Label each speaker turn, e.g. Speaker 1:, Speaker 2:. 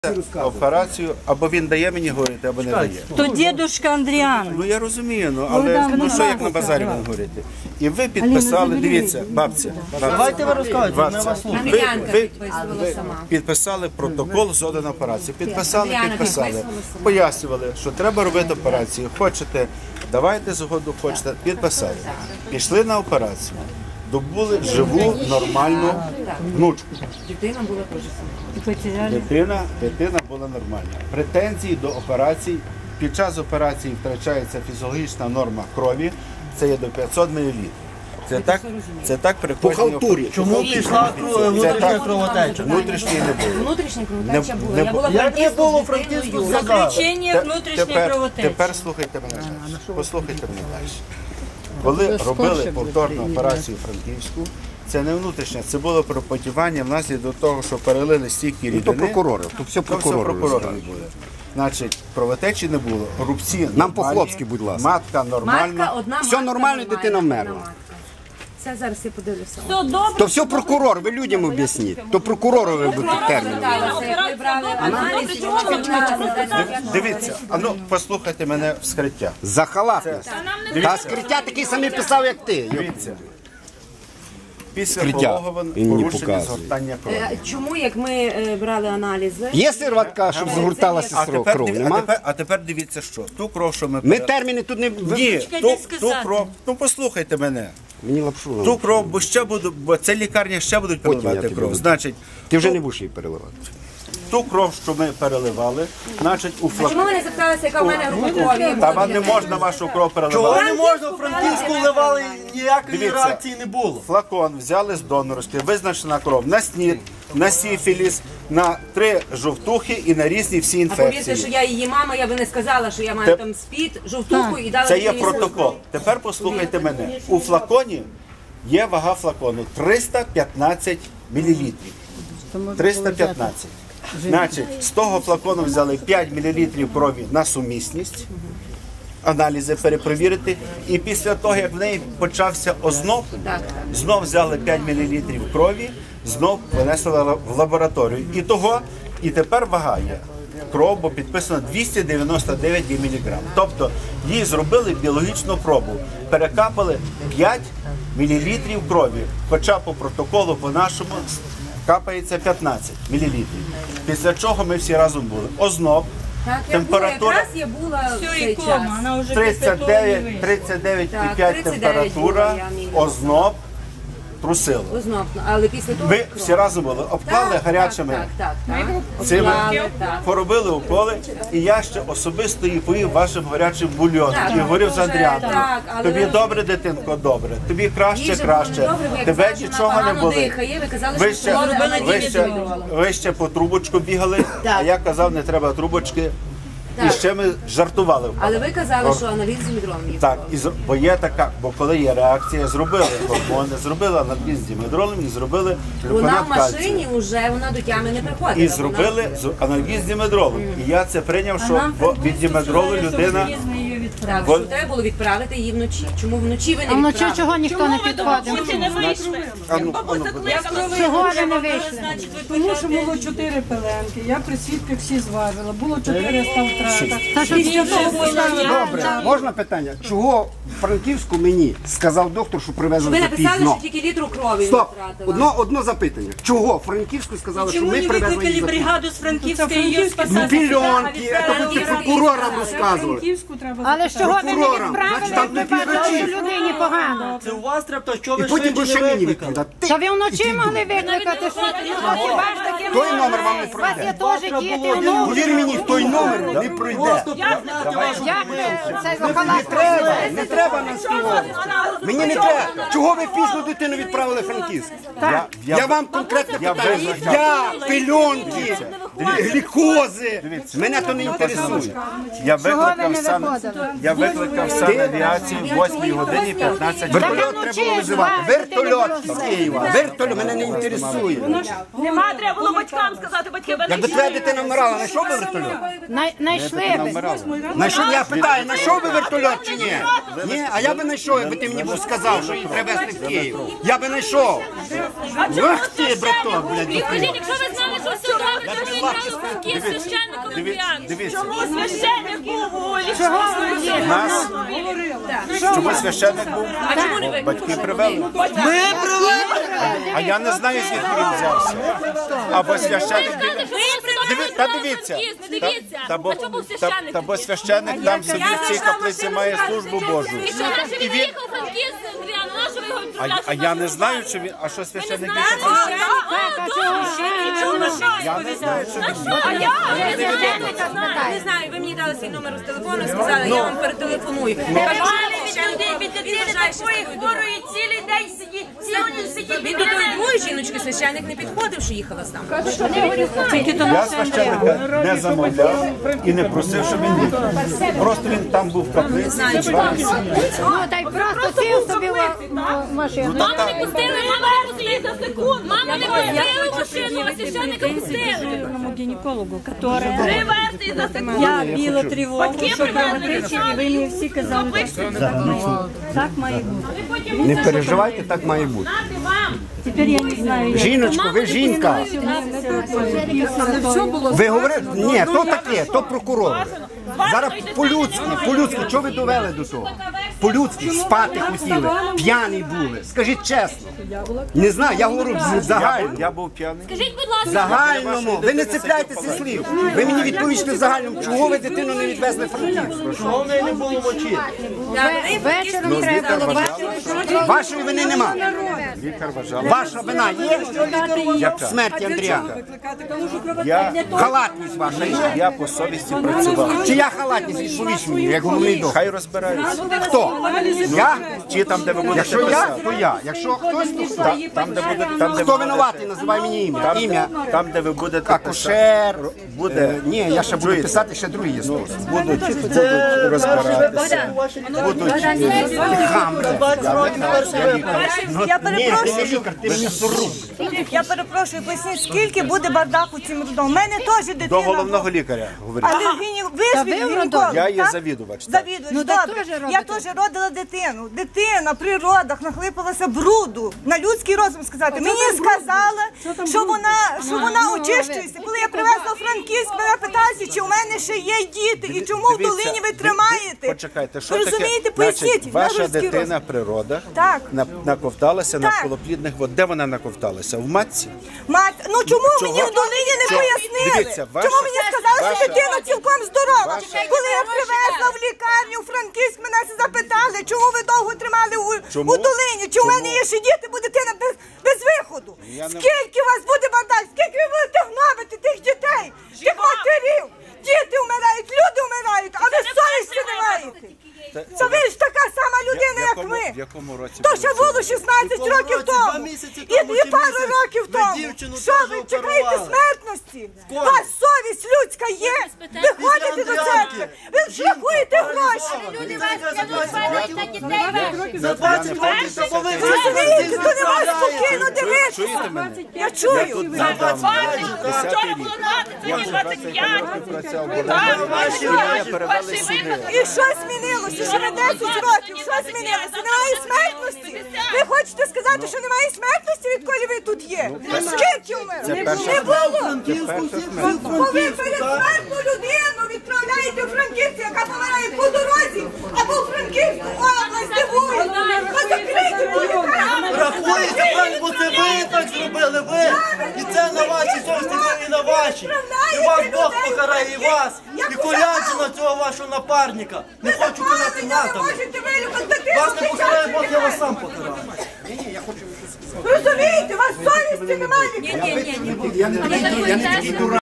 Speaker 1: Операцію, або він дає мені говорити, або не дає.
Speaker 2: То дідушка Андріан.
Speaker 1: Ну я розумію, але що як на базарі вам говорити? І ви підписали, дивіться, бабця.
Speaker 3: Давайте ви розказуєте, ми вас слухаємо.
Speaker 1: Ви підписали протокол згоди на операцію. Підписали. Пояснювали, що треба робити операцію. Хочете, давайте згоду, хочете. Підписали. Пішли на операцію. Добули живу, нормальну внучку.
Speaker 4: Дитина була теж.
Speaker 1: Дитина була нормальна. Претензії до операцій. Під час операції втрачається фізіологічна норма крові. Це є до 500 мл. Це так при кожній операції.
Speaker 3: Чому пішла внутрішня кровотеча?
Speaker 1: Внутрішньої не було.
Speaker 4: Внутрішня кровотеча була. Я була
Speaker 3: Як не було у Франківську сказати?
Speaker 2: Заключення внутрішньої кровотечі.
Speaker 1: Тепер слухайте мене далі. Послухайте мене далі. Коли робили повторну операцію Франківську, це не внутрішня, це було пропотівання внаслідок того, що перелили стільки рідини.
Speaker 5: То прокурори, то все прокурори
Speaker 1: були. Значить, кровотечі не було, рубці
Speaker 5: Нам
Speaker 1: нормальні,
Speaker 5: по-хлопськи, будь ласка.
Speaker 1: матка нормальна.
Speaker 4: Матка, одна
Speaker 5: Все
Speaker 4: матка
Speaker 5: нормально, дитина вмерла.
Speaker 4: одна матка. Це зараз я подивлюся.
Speaker 2: Все добре.
Speaker 5: То все прокурор, ви людям об'ясніть. То прокуророві будуть терміни.
Speaker 4: Як ви брали аналіз,
Speaker 1: Дивіться, а ну послухайте мене вскриття.
Speaker 5: За халатність. Та скриття такий самий писав, як ти.
Speaker 1: Дивіться. Після
Speaker 5: Скриття.
Speaker 1: пологовин
Speaker 5: Він мені
Speaker 1: порушення
Speaker 5: показує.
Speaker 1: згортання крові.
Speaker 4: Чому, як ми брали аналізи?
Speaker 5: Є сироватка, щоб згортала сестру кров, нема?
Speaker 1: А тепер дивіться що. Ту кров, що ми
Speaker 5: Ми терміни тут не...
Speaker 1: Ні, ту кров, ну послухайте мене.
Speaker 5: Мені лапшу.
Speaker 1: Ту кров, бо це лікарня ще будуть
Speaker 5: Потім я
Speaker 1: переливати
Speaker 5: тобі
Speaker 1: кров.
Speaker 5: буду.
Speaker 1: Значить,
Speaker 5: Ти вже не будеш її переливати.
Speaker 1: ту кров, що ми переливали, значить у
Speaker 4: Чому ви
Speaker 1: флаконі.
Speaker 4: не запиталися, яка в мене група крові?
Speaker 1: Та вам не можна вашу кров
Speaker 3: Чого
Speaker 1: переливати.
Speaker 3: не можна? В Франківську вливали, ніякої
Speaker 1: Дивіться.
Speaker 3: реакції не було.
Speaker 1: Флакон взяли з донорськи, визначена кров на СНІД, на сифіліс, на 3 жовтухи і на різні всі
Speaker 4: А повірте, що
Speaker 1: інфекції.
Speaker 4: я її мама, я би не сказала, що я маю там СПІД, жовтуху і дала
Speaker 1: Це є
Speaker 4: мені
Speaker 1: протокол. Тепер послухайте мене. У флаконі є вага флакону 315 мл. 315. Значить, з того флакону взяли 5 мл крові на сумісність, аналізи перепровірити, і після того, як в неї почався озноб, знов взяли 5 мл крові, знов понесли в лабораторію. І тепер вага є. Кров, бо підписано 299 мг. Тобто їй зробили біологічну пробу, перекапали 5 мл крові, хоча по протоколу по-нашому капається 15 мл. Після чого ми всі разом були. Озноб, температура
Speaker 4: Якраз я була в
Speaker 2: Все,
Speaker 4: цей
Speaker 2: і
Speaker 4: час.
Speaker 2: кома, вона вже
Speaker 1: 39,5
Speaker 4: Так,
Speaker 1: температура,
Speaker 4: 39
Speaker 1: озноб, трусило.
Speaker 4: Ознобно, але після того...
Speaker 1: Ви всі разом були, обклали гарячими
Speaker 4: Так.
Speaker 1: цими,
Speaker 4: Обклали, так.
Speaker 1: поробили уколи, і я ще особисто її поїв вашим гарячим бульйоном. І говорив з Андріаном.
Speaker 4: так, але
Speaker 1: Тобі
Speaker 4: ви-
Speaker 1: добре, дитинко, добре. Тобі краще,
Speaker 4: Їжа
Speaker 1: краще.
Speaker 4: була добре, бо як
Speaker 1: Тебе
Speaker 4: завжди,
Speaker 1: нічого
Speaker 4: вона
Speaker 1: не
Speaker 4: погано
Speaker 1: болить.
Speaker 4: дихає. Ви казали,
Speaker 1: Ви
Speaker 4: що
Speaker 1: ще,
Speaker 4: робили
Speaker 1: ви ще по трубочку бігали, а я казав, не треба трубочки. І ще ми жартували.
Speaker 4: Але ви казали, що аналіз з дімедролом є.
Speaker 1: Так, бо є така, бо коли є реакція, зробили гормони, зробили аналіз з дімедролом і зробили
Speaker 4: Вона
Speaker 1: глюконат
Speaker 4: в
Speaker 1: кальцію.
Speaker 4: машині вже, вона до тями не приходить.
Speaker 1: І зробили аналіз з дімедролом. І я це прийняв, що від дімедролу людина...
Speaker 4: Так, що треба було відправити її вночі. Чому вночі ви не
Speaker 6: А вночі
Speaker 4: відправили?
Speaker 6: чого ніхто не підходив?
Speaker 2: Чи не вийшли?
Speaker 6: Чого ви не вийшли?
Speaker 7: Тому що було 4 пеленки, я при свідках всі зважила, було 400 втрата.
Speaker 6: Та що
Speaker 7: Після того поставили.
Speaker 5: Добре, можна питання? Чого в Франківську мені сказав доктор, що привезли
Speaker 4: Ви написали,
Speaker 5: запізно?
Speaker 4: що тільки літру крові
Speaker 5: Стоп,
Speaker 4: не втратила.
Speaker 5: одно запитання. Чого в Франківську сказали, що
Speaker 2: Чому
Speaker 5: ми
Speaker 2: не
Speaker 5: привезли
Speaker 2: викликали
Speaker 5: її запізно?
Speaker 2: бригаду з Франківська і її
Speaker 5: Ну,
Speaker 2: спасати?
Speaker 5: пільонки, це ви прокурорам розказували.
Speaker 7: Франківську треба
Speaker 6: Але ж чого ви не
Speaker 5: Прокурорам,
Speaker 6: відправили,
Speaker 5: значить, там
Speaker 6: як ви
Speaker 5: не
Speaker 6: бачили, що
Speaker 5: підручні.
Speaker 6: людині погано?
Speaker 3: Це у вас треба, що
Speaker 5: І
Speaker 3: ви
Speaker 5: потім ви
Speaker 3: швидше
Speaker 5: ще
Speaker 3: не
Speaker 5: мені
Speaker 3: викликали.
Speaker 5: відповідати.
Speaker 6: Та ви вночі могли викликати, що хіба ж таки
Speaker 5: Той номер вам не
Speaker 6: у вас є
Speaker 5: пройде.
Speaker 6: теж діти, онуки.
Speaker 5: Повір мені, той номер не пройде.
Speaker 3: Просто признати вашу
Speaker 6: Як ви цей
Speaker 5: Не
Speaker 6: халат
Speaker 5: треба, не треба нас співати. Мені не треба. Чого ви пізно дитину відправили в Франківськ? Я вам конкретне питання. Я, пельонки, глікози. Мене то не інтересує.
Speaker 1: Я
Speaker 6: ви
Speaker 1: викликав
Speaker 6: не
Speaker 1: сам,
Speaker 6: виходили?
Speaker 1: я викликав авіацію в 8 годині 15 хвилин.
Speaker 5: Вертольот треба було визивати. Вертольот з Києва. Вертольот мене не інтересує.
Speaker 2: Нема, треба було батькам сказати, батьки ви
Speaker 5: Якби твоя дитина вмирала, знайшов би вертольот?
Speaker 6: Знайшли ви.
Speaker 5: Знайшов, я питаю, знайшов би вертольот чи ні? Ні, а я би знайшов, якби ти мені був сказав, що її треба везти в Київ. Я би знайшов. Ах ти, браток, блядь,
Speaker 2: Скажіть, якщо ви знали, що все добре, то ви
Speaker 1: Дивіться,
Speaker 2: Священник був у
Speaker 1: у нас чому священник був? Батьки привели. А я не знаю, звідки він взявся. Або священник. Та дивіться. Та бо священник там собі в цій каплиці має службу Божу. І він... А я не знаю, чи він... А що священник більше? Я не знаю, що він...
Speaker 4: Не знаю, ви мені дали свій номер з телефону, сказали, я вам перетелефоную. Він до тої двоє жіночки священник не підходив, що їхала там.
Speaker 1: Я священника не замовляв і не просив, щоб він їхав. Просто він там був в каплиці.
Speaker 6: Ну, та й просто сів собі в машину.
Speaker 2: Мама не пустили, мама не пустили за секунду. Мама не пустили в машину, а священника пустили.
Speaker 7: Гінекологу, которая...
Speaker 2: 3 версії за секунду.
Speaker 7: Я біла тривогу, що кровотечення, ви мені всі казали, що так має бути.
Speaker 5: Не переживайте, так має бути.
Speaker 7: Тепер я не знаю, як.
Speaker 5: Жіночко, ви жінка. Ви говорите, ні, то таке, то прокурор. Зараз по-людськи, чого ви довели до того? По-людськи, спати хотіли, п'яні були. Скажіть чесно. Не знаю, я говорю загально.
Speaker 1: Я був п'яний.
Speaker 2: Скажіть, будь ласка,
Speaker 5: Загальному, ви не цепляйтеся слів. Ви мені відповісте в загальному, чого ви дитину не відвезли в Франківськ?
Speaker 3: Чого в неї не було мочі?
Speaker 6: Вечором треба було бачити.
Speaker 5: Вашої вини нема.
Speaker 1: Лікар вважав.
Speaker 5: Ваша вина є в смерті Андріана. Халатність ваша є.
Speaker 1: Я по совісті працював.
Speaker 5: Чия халатність відповість мені, як головний доктор?
Speaker 1: Хай розбираються.
Speaker 5: Хто? Я?
Speaker 1: Чи там, де ви будете
Speaker 5: Якщо я,
Speaker 1: писати.
Speaker 5: то я. Якщо хтось, то хто?
Speaker 1: Там, де буде, там, де
Speaker 5: Хто
Speaker 1: ви
Speaker 5: винуватий, називай мені ім'я. Ім'я.
Speaker 1: Там, де ви будете писати.
Speaker 5: Акушер.
Speaker 1: Буде.
Speaker 5: Ні, я ще буду
Speaker 1: Чуєте?
Speaker 5: писати, ще другий є спосіб.
Speaker 1: Будуть розбиратися.
Speaker 5: Хамре.
Speaker 8: Я
Speaker 5: Ні, ти
Speaker 8: перепрошую,
Speaker 5: не лікар, ти м'ясоруб.
Speaker 8: я перепрошую, поясніть, скільки буде бардаку цим родом? У мене теж дитина.
Speaker 1: До головного лікаря говорить.
Speaker 8: Але гінеколог.
Speaker 1: Я є завідувач. так.
Speaker 8: Завідувач,
Speaker 6: Ну, так
Speaker 8: добре.
Speaker 6: теж робите.
Speaker 8: Я теж родила дитину. Дитина при родах нахлипалася бруду. На людський розум сказати. Мені сказали, що вона очищується. Коли я привезла у Франківськ, мене питалися, чи у мене ще є діти, і чому в
Speaker 1: Дивіться,
Speaker 8: долині ви тримаєте.
Speaker 1: Почекайте, що
Speaker 8: Ви
Speaker 1: таке?
Speaker 8: розумієте, поясніть.
Speaker 1: Значить,
Speaker 8: на
Speaker 1: ваша
Speaker 8: людський
Speaker 1: дитина
Speaker 8: розум.
Speaker 1: при родах
Speaker 8: Так.
Speaker 1: наковталася
Speaker 8: Так.
Speaker 1: навколоплідних вод. Де вона наковталася? В матці?
Speaker 8: Мать, ну чому
Speaker 1: Чого?
Speaker 8: мені в долині не
Speaker 1: Чого?
Speaker 8: пояснили?
Speaker 1: Дивіться,
Speaker 8: Чому мені сказали, що
Speaker 1: ваша-
Speaker 8: дитина цілком здорова?
Speaker 1: ваша-
Speaker 8: Коли я привезла в лікарню у Франківськ, мене запитали, чому ви довго тримали
Speaker 1: Чому?
Speaker 8: у долині? Чи у мене є ще діти, бо дитина без виходу?
Speaker 1: Я не-
Speaker 8: Скільки у вас буде бардак? Скільки ви будете гнобити тих дітей, тих матерів? Діти вмирають, люди вмирають, а ви совісті не маєте. Це ви ж така сама людина, як ви.
Speaker 1: В якому році?
Speaker 8: То
Speaker 1: було
Speaker 8: ще
Speaker 1: це?
Speaker 8: було 16
Speaker 3: В якому
Speaker 8: років
Speaker 3: році?
Speaker 8: тому.
Speaker 3: 2 місяці тому
Speaker 8: І
Speaker 3: чи
Speaker 8: пару
Speaker 3: місяць
Speaker 8: років
Speaker 3: ви
Speaker 8: тому.
Speaker 3: дівчину
Speaker 8: Що
Speaker 3: теж
Speaker 8: ви чекаєте
Speaker 3: оперували?
Speaker 8: смертності? У вас совість людська є? Ви ходите до церкви, ви рахуєте гроші.
Speaker 3: За 20 років
Speaker 8: Ви
Speaker 3: повинні
Speaker 8: розумієте, то не вас спокійно
Speaker 1: Чуєте
Speaker 8: дивитися.
Speaker 1: мене?
Speaker 8: Я чую.
Speaker 1: Тут задам 10-й рік. Я вже 25 років працював. Мене перевели сюди.
Speaker 8: І що змінилося? Що на 10 років? Що змінилося? Немає смертності? Ви хочете сказати, що немає смертності, відколи ви тут є? Скільки у мене? Не було. Бо ви передсмертну людину відправляєте у Франківську, яка помирає по дорозі, або у Франківську область дивує. Закрийте ту лікарню.
Speaker 3: Рахується так, бо це ви так зробили, ви. І це на вашій совісті, і на вашій. І вас Бог покарає, і вас. І Колянчина, цього вашого напарника. Не хочу казати
Speaker 8: Ви не
Speaker 3: матами.
Speaker 8: можете вилікувати дитину.
Speaker 3: Вас не покарає Бог, я вас сам покараю.
Speaker 8: Розумієте, у вас совісті немає.
Speaker 5: Я не